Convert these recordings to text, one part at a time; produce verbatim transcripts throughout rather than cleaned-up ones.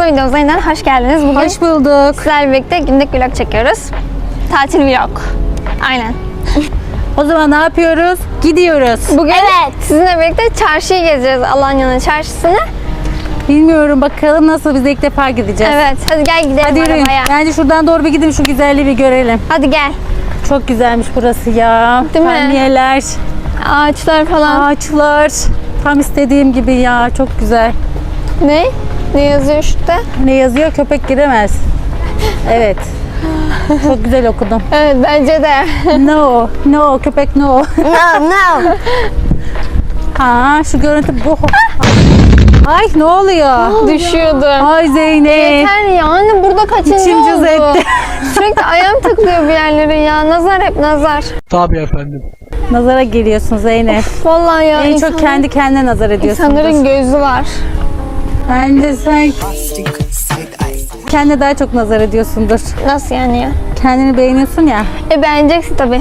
Kanalımıza, videomuza yeniden hoş geldiniz. Bugün hoş bulduk. sizlerle birlikte günlük vlog çekiyoruz. Tatil vlog. Aynen. O zaman ne yapıyoruz? Gidiyoruz. Bugün evet. sizinle birlikte çarşıyı gezeceğiz. Alanya'nın çarşısını. Bilmiyorum, bakalım nasıl, biz de ilk defa gideceğiz. Evet. Hadi gel gidelim Hadi yürüyün. arabaya. Bence şuradan doğru bir gidin, şu güzelliği bir görelim. Hadi gel. Çok güzelmiş burası ya. Değil mi? Palmiyeler, Ağaçlar falan. ağaçlar. Tam istediğim gibi ya. Çok güzel. Ne? Ne yazıyor şurada? Ne yazıyor? Köpek giremez. Evet. Çok güzel okudum. Evet bence de. No. No. Köpek no. No no. Ha, şu görüntü bu. Ay ne oluyor? Düşüyordum. Ay Zeynep. Yeter ya. Anne burada kaçıncı İçim cız oldu? etti. Sürekli ayağım takılıyor bir yerlere ya. Nazar hep nazar. Tabii efendim. Nazara geliyorsun Zeynep. Vallahi ya. En insan- çok kendi kendine nazar ediyorsun. İnsanların gözü var. Bence sen kendine daha çok nazar ediyorsundur. Nasıl yani ya? Kendini beğeniyorsun ya. E beğeneceksin tabii.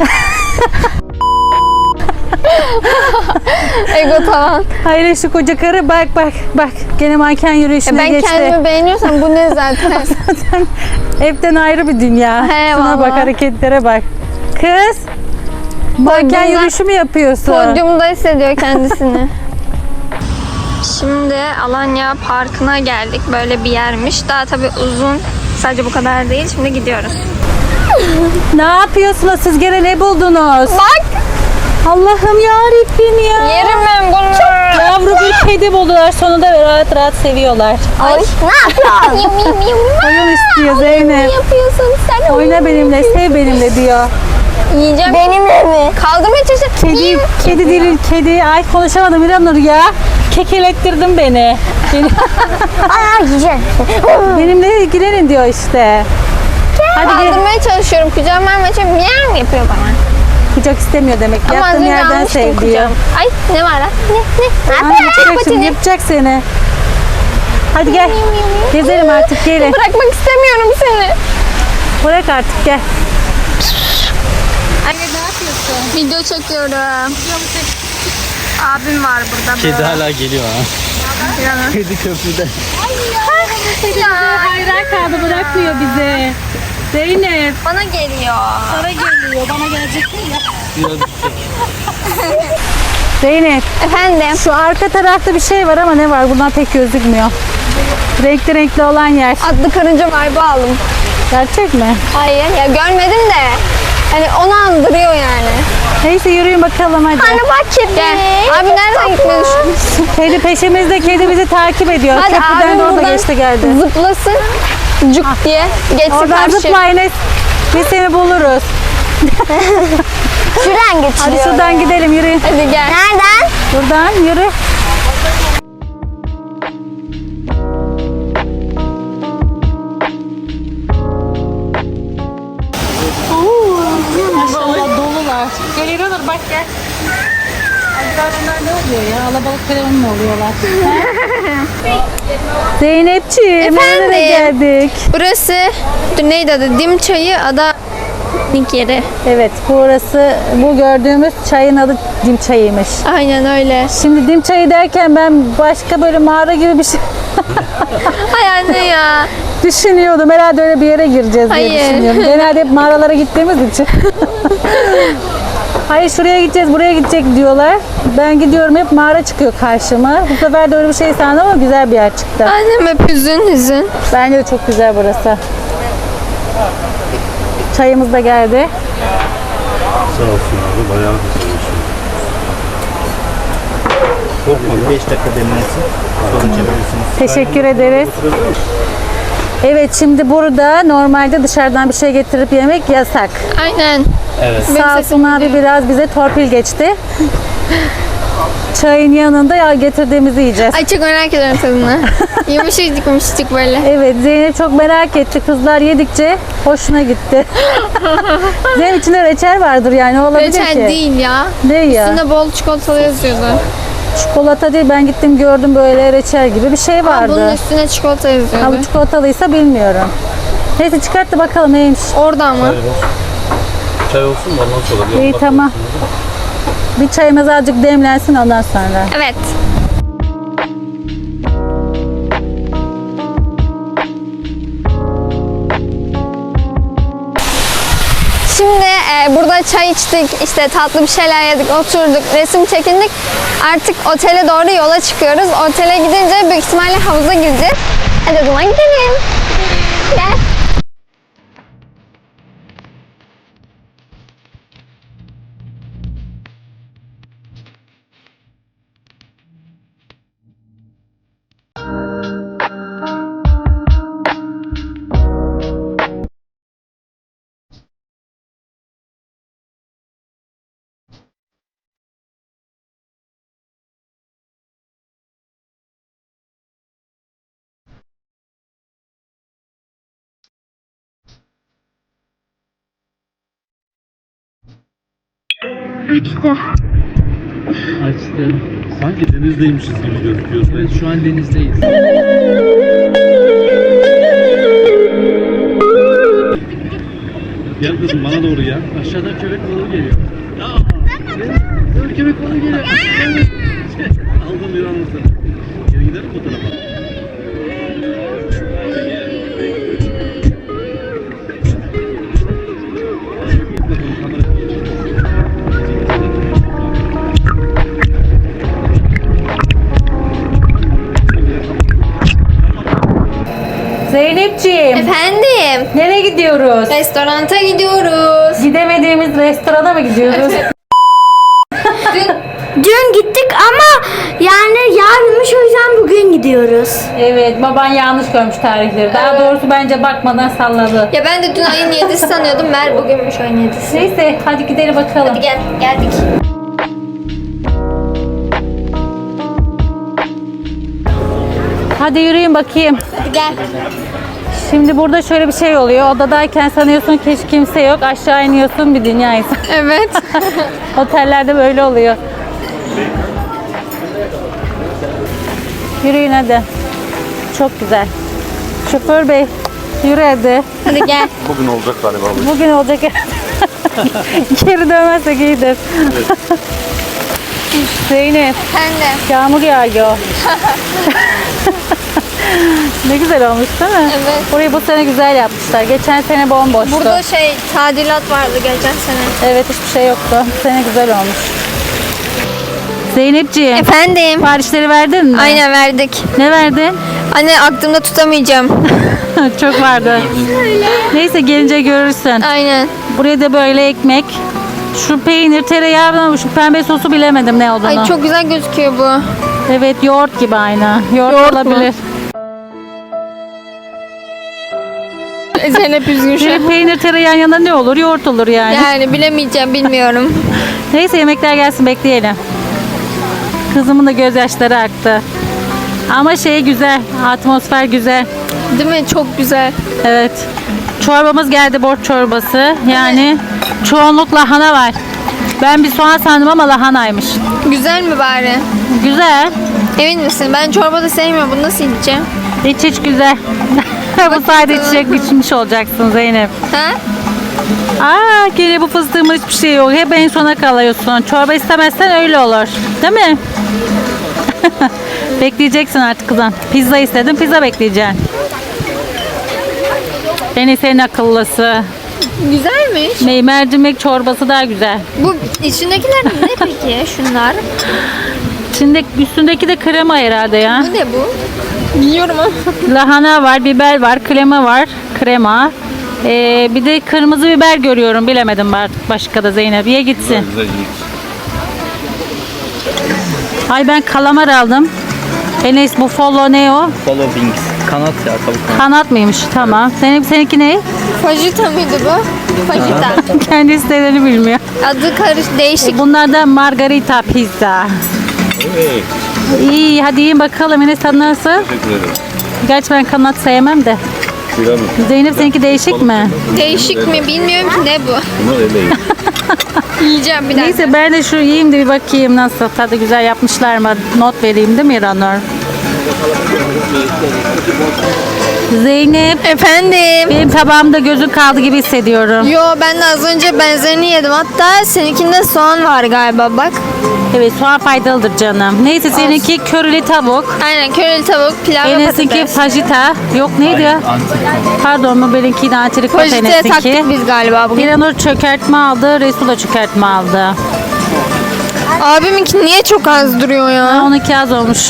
Ego tavan. Hayır, şu koca karı bak bak bak. Gene manken E yürüyüşüne ben geçti. kendimi beğeniyorsam bu ne zaten? Zaten evden ayrı bir dünya. He, Şuna bak, vallahi. hareketlere bak. Kız, manken Podyumda- yürüyüşü mü yapıyorsun? Podyumda hissediyor kendisini. Şimdi Alanya Parkı'na geldik. Böyle bir yermiş. Daha tabii uzun. Sadece bu kadar değil. Şimdi gidiyoruz. Ne yapıyorsunuz siz, gene ne buldunuz? Bak! Allah'ım yarabbim ya. Yerim ben bunu. Yavru bir kedi buldular sonunda ve rahat rahat seviyorlar. Ay, ne yapıyorsun? Yum yum yum. Oyun istiyor Zeynep. Ne yapıyorsun sen? Oyna benimle, sev benimle diyor. Yiyeceğim. Benimle mi? Kaldırmaya çalışıyorum. Kedi, kedi değil, kedi. Ay konuşamadım İranur ya. Kekelettirdin beni. beni Aa yiyeceğim. benimle ilgilenin diyor işte. Hadi gel. Kaldırmaya çalışıyorum. Kucağıma vermeye çalışıyorum. Miyav yapıyor bana. Kucak istemiyor demek. Ama az Yattığın önce yerden almıştım sev diyor. kucağıma. Ay ne var lan? Ne? Ne? Ne Ay, yapıyor? yapacak şimdi, yapacak seni. Hadi gel. Gezelim artık, gelin. Bırakmak istemiyorum seni. Bırak artık, gel. Anne ne yapıyorsun? Video çekiyorum. Abim var burada. Kedi hala geliyor ha. Yanı. Kedi köprüde. Ya, Hayran kaldı, bırakmıyor bizi. Zeynep. bana geliyor. Sana geliyor, bana gelecek mi ya? Biraz Zeynep. Efendim. Şu arka tarafta bir şey var ama ne var? Bundan pek gözükmüyor. Renkli renkli olan yer. Adlı karınca vibe aldım. Gerçek mi? Hayır ya görmedim de. Hani onu andırıyor yani. Neyse yürüyün bakalım hadi. Anne bak kedi. Gel. Abi nereden gitmeyi düşünüyorsun? Kedi peşimizde, kedi bizi takip ediyor. Hadi Köprüden abim de orada buradan geçti geldi. zıplasın. Cuk diye. Geçsin Oradan karşı. zıpla Enes. Biz seni buluruz. Şuradan geçiyor. Hadi şuradan gidelim, yürüyün. Hadi gel. Nereden? Buradan yürü. Maşallah dolular. Gel İranur bak gel. Acaba bunlar ne oluyor ya? Alabalık telefonu mu oluyorlar? Zeynepciğim, Efendim? nereye geldik? Burası dur, neydi adı? Dim Çayı Ada Link yeri. Evet, burası, bu gördüğümüz çayın adı dim çayıymış. Aynen öyle. Şimdi dim çayı derken ben başka böyle mağara gibi bir şey Hay anne ya. düşünüyordum. Herhalde öyle bir yere gireceğiz diye Hayır. düşünüyorum. Genelde hep mağaralara gittiğimiz için. Hayır, şuraya gideceğiz, buraya gidecek diyorlar. Ben gidiyorum, hep mağara çıkıyor karşıma. Bu sefer de öyle bir şey sandım ama güzel bir yer çıktı. Annem hep hüzün hüzün. Bence de çok güzel burası. Çayımız da geldi. Sağ olsun abi, bayağı güzel bir şey. Korkma, beş dakika demlensin. Sonra çevirirsiniz. Teşekkür ederiz. Evet, şimdi burada normalde dışarıdan bir şey getirip yemek yasak. Aynen. Evet. Benim Sağ sesim olsun abi gidiyor. biraz bize torpil geçti. Çayın yanında ya getirdiğimizi yiyeceğiz. Ay çok merak ediyorum tadını. Yumuşacık yumuşacık böyle. Evet, Zeynep çok merak etti. Kızlar yedikçe hoşuna gitti. Zeynep içinde reçel vardır yani, olabilir Reçel ki. değil ya. Değil ya. Üstünde bol çikolatalı yazıyordu. Çikolata değil, ben gittim gördüm böyle reçel gibi bir şey Ama vardı. bunun üstüne çikolata Ha, yazıyordu. bu çikolatalıysa bilmiyorum. Neyse çıkart da bakalım neymiş. Orada ama. Çay olsun mu? Ondan sonra. İyi, tamam. Bir çayımız azıcık demlensin ondan sonra. Evet. Ee, burada çay içtik, işte tatlı bir şeyler yedik, oturduk, resim çekindik. Artık otele doğru yola çıkıyoruz. Otele gidince büyük ihtimalle havuza gireceğiz. Hadi o zaman gidelim. Gel. İşte. Açtı. Sanki denizdeymişiz gibi gözüküyoruz. Evet, şu an denizdeyiz. Gel kızım bana doğru gel. Aşağıdan köpek balığı geliyor. Aa, evet, köpek balığı geliyor. Aldım bir anı sana. Geri gidelim bu tarafa. Zeynepciğim, Efendim, nereye gidiyoruz? restoranta gidiyoruz. Gidemediğimiz restorana mı gidiyoruz? Dün Dün gittik ama yani yarınmış, o yüzden bugün gidiyoruz. Evet, baban yanlış görmüş tarihleri. Daha doğrusu bence bakmadan salladı. Ya ben de dün ayın yedisi sanıyordum. Mer bugünmüş ayın yedisi. Neyse, hadi gidelim bakalım. Hadi gel, geldik. Hadi yürüyün bakayım. Hadi gel. Şimdi burada şöyle bir şey oluyor. Odadayken sanıyorsun ki hiç kimse yok. Aşağı iniyorsun, bir dünya insan. Evet. Otellerde böyle oluyor. Yürüyün hadi. Çok güzel. Şoför bey, yürü hadi. Hadi gel. Bugün olacak galiba bu. Bugün olacak. Geri dönmezsek iyidir. Zeynep, Efendim. yağmur yağıyor. Ne güzel olmuş değil mi? Evet. Burayı bu sene güzel yapmışlar. Geçen sene bomboştu. Burada şey tadilat vardı geçen sene. Evet, hiçbir şey yoktu. Bu sene güzel olmuş. Zeynepciğim, Efendim. siparişleri verdin mi? Aynen verdik. Ne verdin? Anne aklımda tutamayacağım. Çok vardı. Neyse, gelince görürsün. Aynen. Buraya da böyle ekmek. Şu peynir, tereyağı, şu pembe sosu bilemedim ne olduğunu. Ay çok güzel gözüküyor bu. Evet, yoğurt gibi aynı. Yoğurt, Yoğurt mu? olabilir. Zeynep üzgün şu Bir an. peynir, tereyağın yanında ne olur? Yoğurt olur yani. Yani bilemeyeceğim, bilmiyorum. Neyse, yemekler gelsin, bekleyelim. Kızımın da gözyaşları aktı. Ama şey güzel, atmosfer güzel. Değil mi? Çok güzel. Evet. Çorbamız geldi, borç çorbası. Yani çoğunluk lahana var. Ben bir soğan sandım ama lahanaymış. Güzel mi bari? Güzel. Emin misin? Ben çorba da sevmiyorum. Bunu nasıl yiyeceğim? İç iç güzel. Bu sayede içecek içmiş olacaksın Zeynep. Ha? Aa, gene bu fıstığımın hiçbir şey yok. Hep en sona kalıyorsun. Çorba istemezsen öyle olur. Değil mi? Bekleyeceksin artık kızım. Pizza istedim, pizza bekleyeceksin. En iyisi en akıllısı. Güzelmiş. Me- Mercimek çorbası daha güzel. Bu içindekiler ne peki? Şunlar. İçinde, üstündeki de krema herhalde ya. Bu ne bu? Biliyorum ama. Lahana var, biber var, krema var. Krema. Ee, bir de kırmızı biber görüyorum. Bilemedim artık başka da Zeynep. Ye gitsin. Güzel iyi. Ay, ben kalamar aldım. Enes, bu follow ne o? Follow wings. Kanat ya, tavuk kanat. Kanat mıymış? Tamam. Senin, seninki ne? Fajita mıydı bu? Fajita. Kendi istediğini bilmiyor. Adı karış değişik. Bunlar da margarita pizza. Evet. İyi, hadi yiyin bakalım. Enes, tadı nasıl? Teşekkür ederim. Gerçi ben kanat sevmem de. Piramit. Zeynep, seninki değişik mi? Değişik mi? Bilmiyorum ki ne bu. Bunlar öyle iyi. Yiyeceğim bir dakika. Neyse, ben de şu yiyeyim de bir bakayım nasıl. Tadı güzel yapmışlar mı? Not vereyim değil mi İranur? Zeynep, Efendim. benim tabağımda gözün kaldı gibi hissediyorum. Yo, ben de az önce benzerini yedim. Hatta seninkinde soğan var galiba bak. Evet, soğan faydalıdır canım. Neyse seninki körili tavuk. Aynen körili tavuk, pilav ve Enes'inki patates. fajita. Yok neydi ya? Pardon mu benimki de antrikot Fajita'ya Enes'inki. taktık biz galiba bugün. İranur çökertme aldı. Resul da çökertme aldı. Abiminki niye çok az duruyor Ha, ya? onunki az olmuş.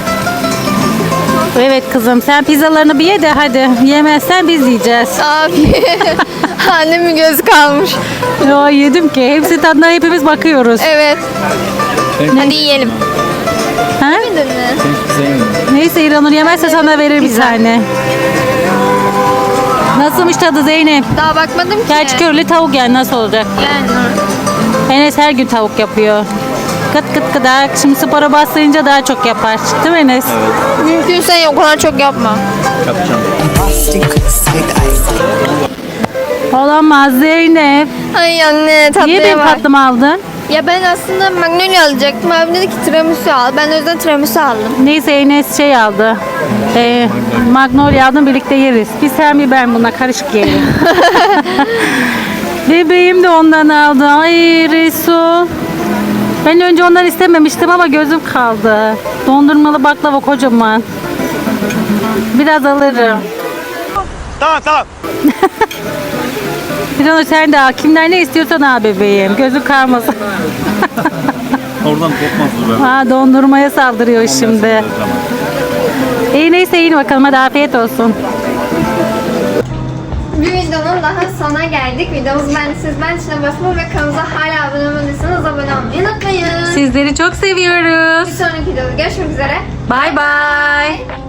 Evet kızım sen pizzalarını bir ye de hadi. Yemezsen biz yiyeceğiz. Abi. Annemin gözü kalmış. Ya yedim ki. Hepsi tadına hepimiz bakıyoruz. Evet. Hadi yiyelim. Ha? Yemedin mi? Neyse İranur yemezse sana verir bir tane. Nasılmış tadı Zeynep? Daha bakmadım ki. Gerçi körlü tavuk yani nasıl olacak? Yani. Enes her gün tavuk yapıyor. Kıt kıt kıdak. Şimdi spora başlayınca daha çok yapar. Değil mi Enes? Mümkünse o kadar çok yapma. Yapacağım. Olamaz Zeynep. Ay anne tatlıya Niye benim bak. tatlımı aldın? Ya ben aslında Magnolia alacaktım. Abim dedi ki tiramisu al. Ben de o yüzden tiramisu aldım. Neyse Enes şey aldı. Ee, Magnolia aldım birlikte yeriz. Biz sen bir ben buna karışık yiyelim. Bebeğim de ondan aldı. Ay Resul. Ben önce ondan istememiştim ama gözüm kaldı. Dondurmalı baklava kocaman. Biraz alırım. Tamam tamam. Bir sen de al. Kimden ne istiyorsan al bebeğim. Gözün kalmasın. Oradan kopmaz bu ben. Ha, dondurmaya saldırıyor şimdi. İyi neyse yiyin bakalım. Hadi afiyet olsun. Bir videonun daha sonuna geldik. Videomuzu beğendiyseniz beğen tuşuna basmayı ve kanalımıza hala abone olmadıysanız abone olmayı unutmayın. Sizleri çok seviyoruz. Bir sonraki videoda görüşmek üzere. Bye bye.